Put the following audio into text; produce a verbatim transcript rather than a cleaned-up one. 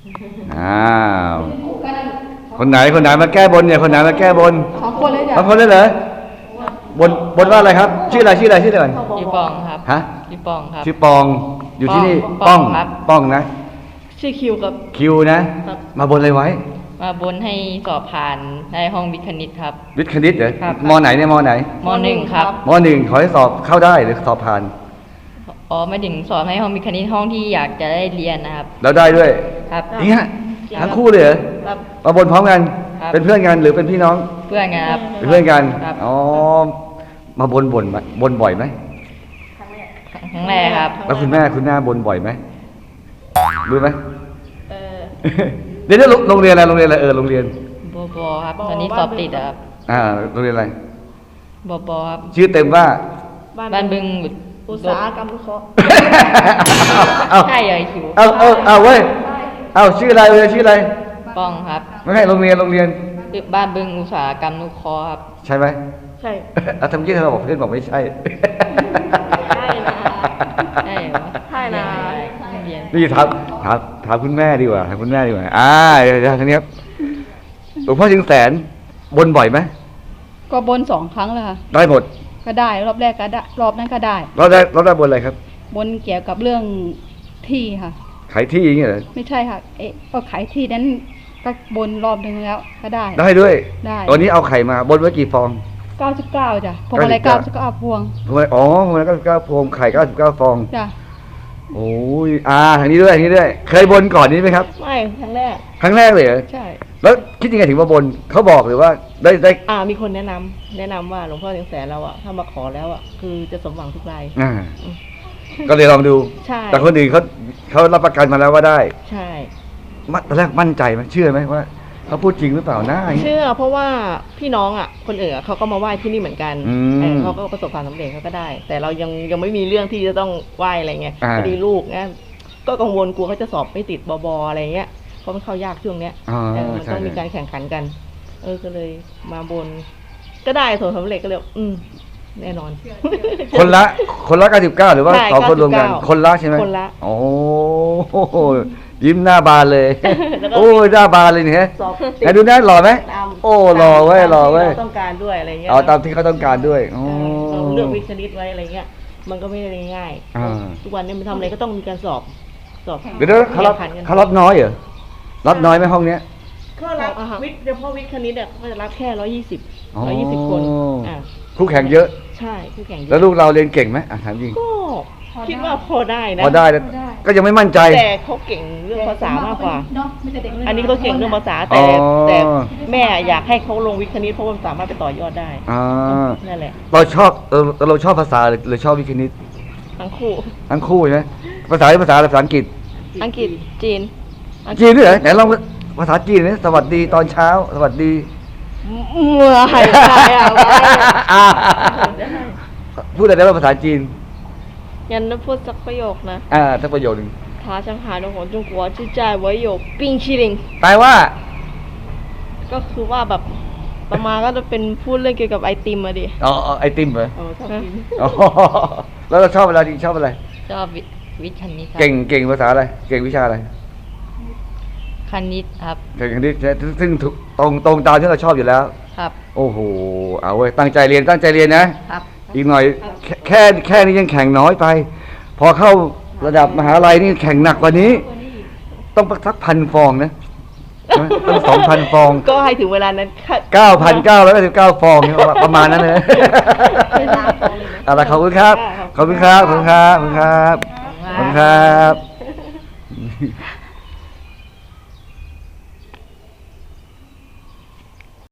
อ้าวคนไหนคนไหนมาแก้บนเนี่ยคนไหนมาแก้บนสองคนเลยจ้ะสองคนเลยเหรอ บนบนว่าอะไรครับ ชื่ออะไรชื่ออะไรชื่ออะไรก่อนชื่อปองครับฮะชื่อปองครับชื่อปองอยู่ที่นี่ป้ป้ออง งครับป้องนะชื่อคิวครับคิวนะ มาบนอะไรไว้มาบนให้สอบผ่านในห้องวิทย์คณิตครับวิทย์คณิตเหรอครับมไหนเนี่ยมไหนมหนึ่งครับมหนึ่งขอให้สอบเข้าได้หรือสอบผ่านอ๋อไม่ถึงสอบให้ห้องวิทย์คณิตห้องที่อยากจะได้เรียนนะครับแล้วได้ด้วยครับจริงฮะทั้งคู่เลยเหรอครับมาบนพร้อมกันครับเป็นเพื่อนกันหรือเป็นพี่น้องเพื่อนกันครับเป็นเพื่อนกันครับอ๋อมาบนบ่นไหมบนบ่อยไหมครั้งแรกครับแล้วคุณแม่คุณแม่บนบ่อยไหมรู้ไหมเออเดี๋ยวเดี๋ยวโรงเรียนอะไรโรงเรียนอะไรเออโรงเรียนบอบอครับตอนนี้สอบติดอะครับอ่าโรงเรียนอะไรบอบอครับชื่อเต็มว่าบ้านบึงอุตสาหกรรมวิเคราะห์เอาใช่เลยคิวเอาเอาเอาเว้ยเอาชื่ออะไรเลยชื่ออะไรป้องครับไม่ใช่โรงเรียนโรงเรียนบ้านบึงอุตสาหกรรมนุเคราะห์ครับใช่ไหมใช่เอาทำยี่เธอบอกเพื่อนบอกไม่ใช่ใช่นะใช่เหรอใช่นะเรียนนี่ถามถามถามคุณแม่ดีกว่าถามคุณแม่ดีกว่าอ่าเดี๋ยวทีนี้ครับหลวงพ่อจึงแสนบนบ่อยไหมก็บนสองครั้งแล้วค่ะได้หมดก็ได้รอบแรกก็ได้รอบนั้นก็ได้เราได้เราได้บนอะไรครับบนเกี่ยวกับเรื่องที่ค่ะขายที่อย่างเงี้ยเหรอไม่ใช่ค่ะ เอ๊ะก็ขายที่นั้นก็บนรอบหนึ่งแล้วก็ได้ได้ด้วยได้วันนี้เอาไข่มาบนไว้กี่ฟองเก้าสิบเก้าจ้ะพวงอะไรเก้าสิบเก้าพวงทำไมอ๋อทำไมเก้าสิบเก้าพวงไข่เก้าสิบเก้าฟองจ้ะโอ้ยอ่าทางนี้ด้วยทางนี้ด้วย เคยบนก่อนนี้ไหมครับไม่ครั้งแรกครั้งแรกเลยเหรอใช่แล้วคิดยังไงถึงมาบนเขาบอกหรือว่าได้ได้อ่ามีคนแนะนำแนะนำว่าหลวงพ่อเชียงแสนเราอะถ้ามาขอแล้วอะคือจะสมหวังทุกรายอ่าก็เลยลองดูใช่แต่คนอื่นเขาเขารับประกันมาแล้วว่าได้ใช่มาตอนแรกมั่นใจไหมเชื่อไหมว่าเขาพูดจริงหรือเปล่านะอย่างเงี้ยเชื่อเพราะว่าพี่น้องอะคนอื่นอะเขาก็มาไหว้ที่นี่เหมือนกันอืมเออเขาก็ประสบความสำเร็จเขาก็ได้ แต่เรายังยังไม่มีเรื่องที่จะต้องไหว้อะไรเงี้ยอ่าพอดีลูกเนี่ยก็กังวลกลัวเขาจะสอบไม่ติดบบอะไรเงี้ยเพราะมันเข้ายากช่วงเนี้ยอ่าเออมันใช่ต้องมีการแข่งขันกัน เออก็เลยมาบน ก็ได้ผลสำเร็จก็เลยอืมแน่นอนคนละคนละเก้าสิบเก้าหรือว่าใช่สองคนรวมกันเก้าสิบเก้าคนละใช่ไหมคนละโอ้โหยิ้มหน้าบานเลยแล้วก็โอ้ยหน้าบานเลยเนี่ยสอบไหนดูหน้าหล่อไหมตามโอ้หล่อเว้ยหล่อเว้ยตามที่ราต้องการด้วยอะไรเงี้ยเอาตามที่เขาต้องการด้วยโอ้เออเราเลือกวิชานิดไว้อะไรเงี้ย มันก็ไม่ได้ง่ายอ่าทุกวันนี้มันทำอะไรก็ต้องมีการสอบ สอบเดี๋ยวนะเขารับแข่งขันกันเขารับน้อยเหรอรับน้อยไหมห้องเนี้ยก็รับวิทย์เฉพาะวิทย์คณิตอ่ะก็จะรับแค่ร้อยยี่สิบอ๋อร้อยยี่สิบคน อ่าคู่แข่งเยอะใช่คู่แข่งเยแล้วอะลูกเราเรียนเก่งไหมอ่ะถามจริงก็คิดว่าพอได้นะพอได้แล้วก็ยังไม่มั่นใจแต่เขาเก่งเรื่องภาษามากกว่าเนาะไม่ใช่เด็กเลยอันนี้เขาเก่งเรื่องภาษาแต่อ๋อแต่แม่อยากให้เขาลงวิทย์คณิตเพราะว่ามันสามารถไปต่อยอดได้อ่านั่นแหละเราชอบเออเราชอบภาษาหรือหรือชอบวิทย์คณิตทั้งคู่ทั้งคู่ใช่ไหมภาษาภาษาอะไรภาษาอังกฤษอังกฤษจีนจีนด้วยเหรอไหนลองภาษาจีนนี่สวัสดีตอนเช้า สวัสดีเมื่อไหร่ได้อะอ่าพูดอะไรได้บ้างภาษาจีนยันจะพูดสักประโยคนะอ่าสักประโยคนึง他上海的ของ中国就在我有冰淇淋แปลว่าก็คือว่าแบบประมาณก็จะเป็นพูดเรื่องเกี่ยวกับไอติมอะดิอ๋ออ๋อไอติมเหรอเออชอบกินอ๋อแล้วเราชอบอะไรดีชอบอะไรชอบวิวิทย์คณิตครับเก่งเก่งภาษาอะไร เก่งวิชาอะไรคณิตครับเก่งคณิตซึ่งถูกตรงตรงตามที่เราชอบอยู่แล้วครับโอ้โห เอาเว้ย ตั้งใจเรียน ตั้งใจเรียนนะครับอีกหน่อยแค่แค่แค่นี้ยังแข่งน้อยไป พอเข้าระดับมหาลัยนี่แข่งหนักกว่านี้ ต้องสักพันฟองนะใช่ไหมต้องสองพันฟองก็ให้ถึงเวลานั้นค่ะเก้าพันเก้าร้อยเก้าสิบเก้าฟองเนี่ยประมาณนั้นเลยเอาละขอบคุณครับ ขอบคุณครับ ขอบคุณครับ ขอบคุณครับ ขอบคุณครับ